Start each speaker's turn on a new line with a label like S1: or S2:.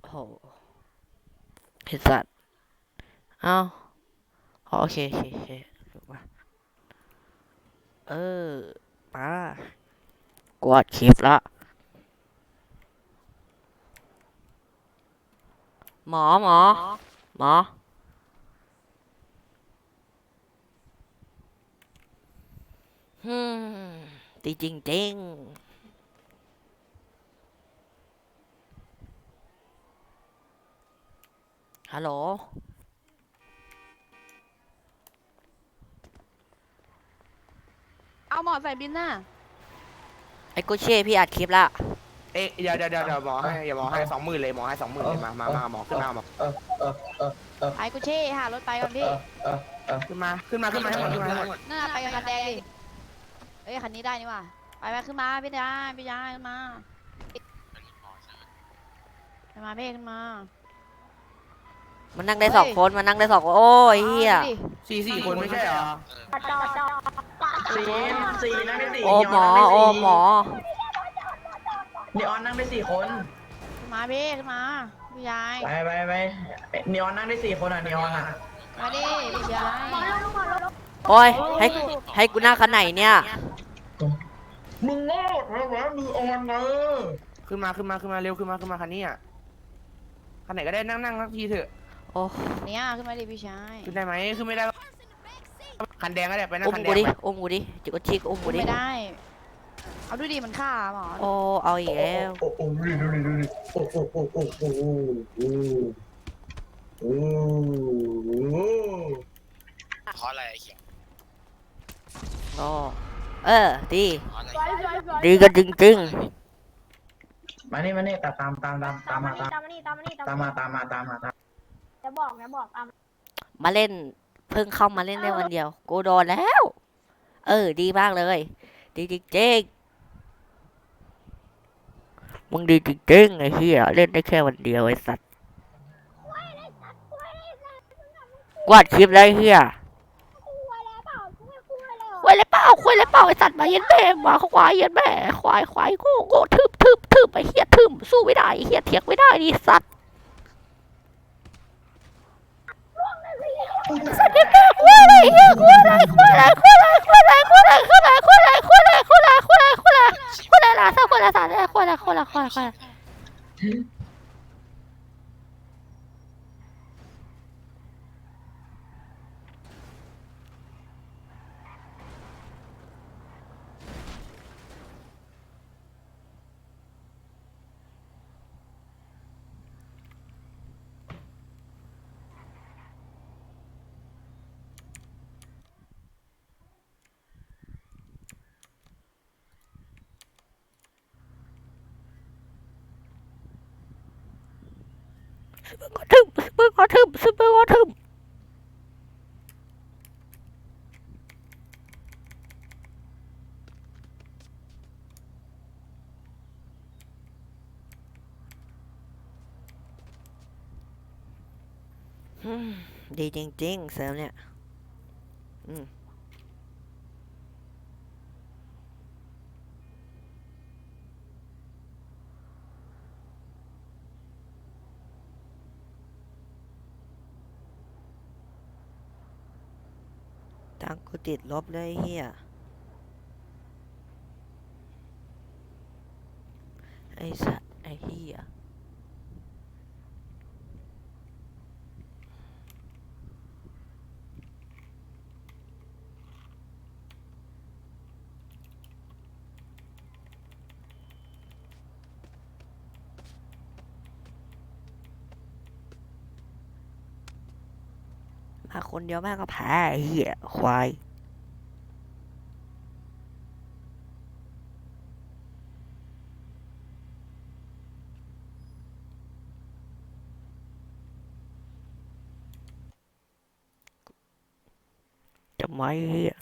S1: โหไอ้สัตว์เอ้าอ๋อโอเคโอเคโอเคถูกปะเออมากวาดคลิปละหมอฮึมตีจริงจริงฮัลโหล
S2: เอาหมอใส่บินน่ะ
S1: ไอ้กูเช่พี่อัดคลิปละ
S3: เอ๊ะเดี๋ยวหมอให้อย่าหมอให้20,000เลยหมอให้20,000เลยมาหมอขึ้นมาหมอ
S4: เออเออเออเออ
S2: ไปกูเช่หารถไปก่อนพี่
S3: ขึ้นมาให้หมดขึ้นมาให้หมด
S2: น่าไปกับคันแดงดิเอ้ยคันนี้ได้นี่ว่ะไปขึ้นมาพี่ยายขึ้นมาขึ้นมาพี่ขึ้นมา
S1: มันนั่งได้2 คนมันนั่งได้2 คนโอ้ยเฮีย
S3: สี่คนไม่ใช่เหรอ
S4: สี่สี่นั่งได้สี่
S1: โอ้หมอโอ้หมอ
S4: นีออนนั่งได้สี่คน
S2: ขึ้นมาพี่ขึ้นมาพี่ยาย
S4: ไปนีออนนั่งได้สี่คนอ่ะนีออนอ่ะ
S2: มาดิพี่ยาย
S1: โอ้ยให้กูนั่งคันไหนเนี่ย
S4: มึงโง่เหรอวะนีออนนะ
S3: ขึ้นมาเร็วขึ้นมาคันนี้อ่ะคันไหนก็ได้นั่งสักทีเถอะ
S1: โอ้
S2: เนี่ยขึ้นมาดิพี่ชาย
S3: ขึ้นได้ไหมขึ้นไม่ได้คันแดงก็ได้ไปนั่ง
S1: อุ้ม
S3: คันแด
S1: กู
S3: ง
S1: ดิ
S3: ไป
S1: อุ้มกูดิจิกจิกอุ้มกูดิ
S2: ไม่ได้เอาดูดิมันฆ่าหมอ
S1: โอ้เอาอีกแล้ว
S4: โอ้ดูดิโอ้
S5: เพราะอะไรไอ้เขียว
S1: อ๋อเออดี
S5: เพราะอะไร
S1: ดีกันจริง
S4: มานี่ตามมาตามมา
S6: จะบอก
S1: ๆมาเล่นเพิ่งเข้ามาเล่นได้วันเดียวกูโดนแล้ว เออดีมากเลยดีจริงๆมึงดีจริงๆไอ้เหี้ยเล่นได้แค่วันเดียวไอ้สัตว์กวาดคลิปแล้วไอ้เหี้ย
S6: คุยแล้วเปล่าไม่คุยเลยเหรอ
S1: คุยเลยเปล่าไอ้สัตว์มาเย็นแม่มาควายเย็นแม่ควายโง่ทึบไอ้เหี้ยทึมสู้ไม่ได้ไอ้เหี้ยเถียงไม่ได้ดิสัตว์สัตว์เย็นแม่คุยอะไรเหี้ยคุยอะไรล่ะสัตว์คุยอะไรมึงก็ทึมดีจริงๆเซิร์ฟเนี่ยตังกูติดลบเลยเฮียไอสัตว์ไอเฮียมาคนเดียวแม่งก็แพ้ไอ้เฮียควายจะไม่เฮีย